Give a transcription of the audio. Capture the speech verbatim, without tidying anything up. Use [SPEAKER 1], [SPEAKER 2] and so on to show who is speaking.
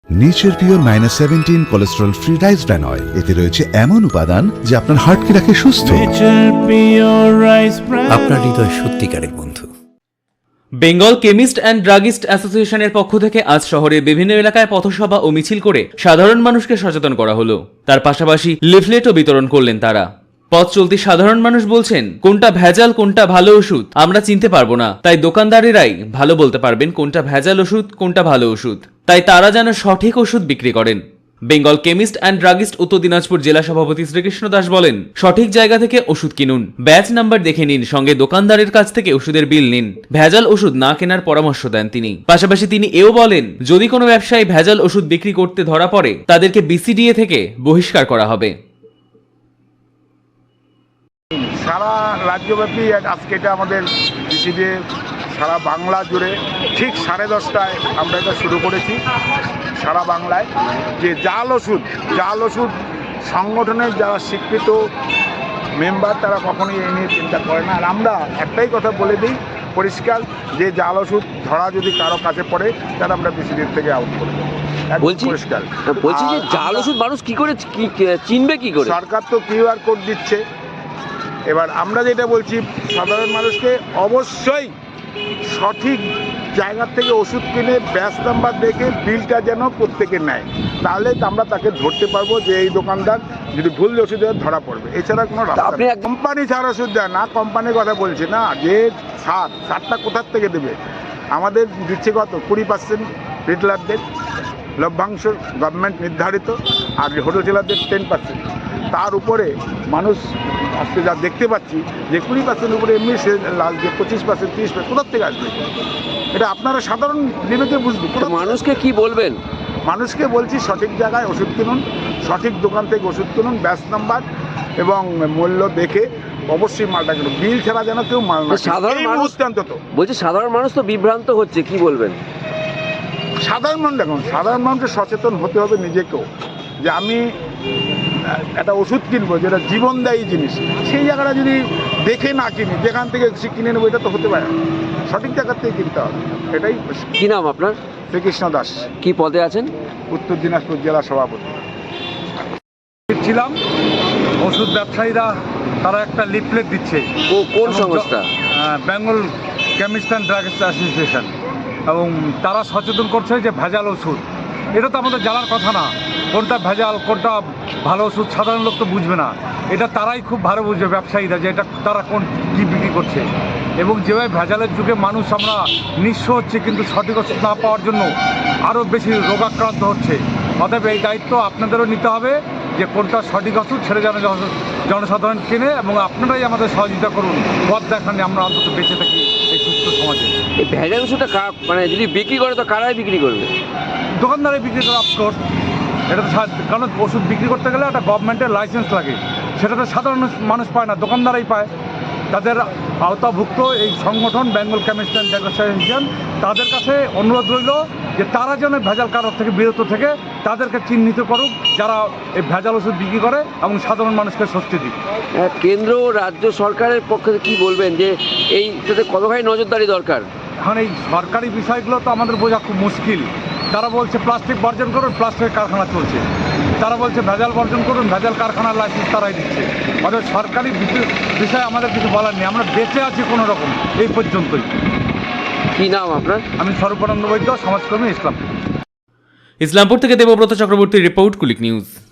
[SPEAKER 1] Nature Pure minus seventeen cholesterol free rice bran oil, এতে রয়েছে এমন উপাদান যা আপনার হার্টকে রাখে সুস্থ।
[SPEAKER 2] আপনার হৃদয় সত্যিকারের বন্ধু।
[SPEAKER 3] বেঙ্গল কেমিস্ট অ্যান্ড ড্রাগিস্ট অ্যাসোসিয়েশনের পক্ষ থেকে আজ শহরের বিভিন্ন এলাকায় পথসভা ও মিছিল করে সাধারণ মানুষকে সচেতন করা হলো। তার পাশাপাশি লিফলেটও বিতরণ করলেন তারা। পথ চলতি সাধারণ মানুষ বলছেন, কোনটা ভেজাল কোনটা ভালো ওষুধ আমরা চিনতে পারবো না, তাই দোকানদারেরাই ভালো বলতে পারবেন কোনটা ভেজাল ওষুধ কোনটা ভালো ওষুধ, তাই তারা যেন সঠিক ওষুধ বিক্রি করেন। বেঙ্গল কেমিস্ট অ্যান্ড ড্রাগিস্ট উত্তর দিনাজপুর জেলা সভাপতি শ্রীকৃষ্ণ দাস বলেন, সঠিক জায়গা থেকে ওষুধ কিনুন, ব্যাচ নাম্বার দেখে নিন, সঙ্গে দোকানদারের কাছ থেকে ওষুধের বিল নিন। ভেজাল ওষুধ না কেনার পরামর্শ দেন তিনি। পাশাপাশি তিনি এও বলেন, যদি কোনো ব্যবসায়ী ভেজাল ওষুধ বিক্রি করতে ধরা পড়ে তাদেরকে বিসিডিএ থেকে বহিষ্কার করা হবে।
[SPEAKER 4] সারা রাজ্যব্যাপী আজকে এটা আমাদের বিসিডিএ সারা বাংলা জুড়ে ঠিক সাড়ে দশটায় আমরা এটা শুরু করেছি সারা বাংলায়, যে জাল ওষুধ জাল ওষুধ সংগঠনের যারা স্বীকৃত মেম্বার তারা কখনোই এই নিয়ে চিন্তা করে না। আর আমরা একটাই কথা বলে দিই পরিষ্কার, যে জাল ওষুধ ধরা যদি কারো কাছে পড়ে তাহলে আমরা বিসিডিএ থেকে আউট করে দেবো।
[SPEAKER 5] বলছি
[SPEAKER 4] পরিষ্কার
[SPEAKER 5] বলছি যে জাল ওষুধ মানুষ কি করে চিনবে, কি করে?
[SPEAKER 4] সরকার তো কিউআর কোড দিচ্ছে। এবার আমরা যেটা বলছি সাধারণ মানুষকে অবশ্যই সঠিক জায়গার থেকে ওষুধ কিনে ব্যাচ নাম্বার দেখে বিলটা যেন প্রত্যেকে নেয়, তাহলে আমরা তাকে ধরতে পারবো যে এই দোকানদার যদি ভুল ওষুধ দেয় ধরা পড়বে। এছাড়া কোনো রাস্তা নেই। কোম্পানি ছাড় ওষুধ দেয় না, কোম্পানির কথা বলছি না, যে সার সারটা কোথার থেকে দেবে? আমাদের দিচ্ছে কত কুড়ি পার্সেন্ট রিটেলারদের লভ্যাংশ গভর্নমেন্ট নির্ধারিত, আর হোটেলারদের টেন পার্সেন্ট। তার উপরে মানুষ আজকে যা দেখতে পাচ্ছি যে কুড়ি পার্সেন্ট উপরে এমনি সে লাল যে পঁচিশ পার্সেন্ট তিরিশ পার্সেন্ট কোথার থেকে আসবে? এটা আপনারা সাধারণ বিবেকে বুঝবেন।
[SPEAKER 5] মানুষকে কি বলবেন?
[SPEAKER 4] মানুষকে বলছি সঠিক জায়গায় ওষুধ কিনুন, সঠিক দোকান থেকে ওষুধ কিনুন, ব্যাচ নাম্বার এবং মূল্য দেখে অবশ্যই মালটা কিনুন, বিল ছাড়া যেন কেউ মাল না।
[SPEAKER 5] সাধারণ মানুষ
[SPEAKER 4] অন্তত
[SPEAKER 5] বলছি সাধারণ মানুষ তো বিভ্রান্ত হচ্ছে, কি বলবেন?
[SPEAKER 4] সাধারণ মানুষ দেখুন, সাধারণ মানুষের সচেতন হতে হবে নিজেকেও, যে আমি একটা ওষুধ কিনবো যেটা জীবনদায়ী জিনিস, সেই জায়গাটা যদি দেখে না কিনি, যেখান থেকে কিনে নেবো এটা তো হতে পারে না, সঠিক জায়গার থেকে কিনতে হবে। এটাই।
[SPEAKER 5] কি নাম আপনার?
[SPEAKER 4] শ্রীকৃষ্ণ দাস।
[SPEAKER 5] কি পদে আছেন?
[SPEAKER 4] উত্তর দিনাজপুর জেলা সভাপতি
[SPEAKER 6] ছিলাম। ওষুধ ব্যবসায়ীরা তারা একটা লিফলেট দিচ্ছে।
[SPEAKER 5] ও কোন সংস্থা?
[SPEAKER 6] Bengal chemist and druggist association, এবং তারা সচেতন করছে যে ভেজাল ওষুধ, এটা তো আমাদের জানার কথা না, কোনটা ভেজাল কোনটা ভালো ওষুধ সাধারণ লোক তো বুঝবে না। এটা তারাই খুব ভালো বুঝবে, ব্যবসায়ীরা, যে এটা তারা কোন কী বিক্রি করছে। এবং যেভাবে ভেজালের যুগে মানুষ আমরা নিঃস্ব হচ্ছে, কিন্তু সঠিক ওষুধ না পাওয়ার জন্য আরও বেশি রোগাক্রান্ত হচ্ছে। অতএব এই দায়িত্ব আপনাদেরও নিতে হবে যে কোনটা সঠিক ওষুধ ছেড়ে যেন জনসাধারণ কেনে, এবং আপনারাই আমাদের সহযোগিতা করুন, পথ দেখান, আমরা অন্তত বেঁচে থাকি এই সুস্থ সমাজে।
[SPEAKER 5] এই ভেজাল ওষুধটা মানে যদি বিক্রি করে তো কারাই বিক্রি করবে?
[SPEAKER 6] দোকানদারে বিক্রি করে অফকোর্স, এটা তো কারণ ওষুধ বিক্রি করতে গেলে একটা গভর্নমেন্টের লাইসেন্স লাগে, সেটা তো সাধারণ মানুষ পায় না, দোকানদারাই পায়। তাদের আওতাভুক্ত এই সংগঠন Bengal chemist and druggist association, তাদের কাছে অনুরোধ রইল যে তারা যেন ভেজাল কারোর থেকে বিরত থেকে তাদেরকে চিহ্নিত করুক যারা এই ভেজাল ওষুধ বিক্রি করে, এবং সাধারণ মানুষকে স্বস্তি দিক।
[SPEAKER 5] কেন্দ্র রাজ্য সরকারের পক্ষে কি বলবেন যে এই কতখানি নজরদারি দরকার?
[SPEAKER 6] এখন এই সরকারি বিষয়গুলো তো আমাদের বোঝা খুব মুশকিল। তারা বলছে প্লাস্টিক বর্জন করুন, প্লাস্টিকের কারখানা চলছে। তারা বলছে ভেজাল বর্জন করুন, ভেজাল কারখানার লাইসেন্স তারাই দিচ্ছে। অর্থাৎ সরকারি বিষয়ে আমাদের কিছু বলার নেই, আমরা বেঁচে আছি কোনো রকম এই পর্যন্তই।
[SPEAKER 5] কি নাম আপনার?
[SPEAKER 6] আমি স্বরূপানন্দ বৈদ্য, সমাজকর্মী, ইসলামপুর।
[SPEAKER 3] ইসলামপুর থেকে দেবব্রত চক্রবর্তীর রিপোর্ট, কুলিক নিউজ।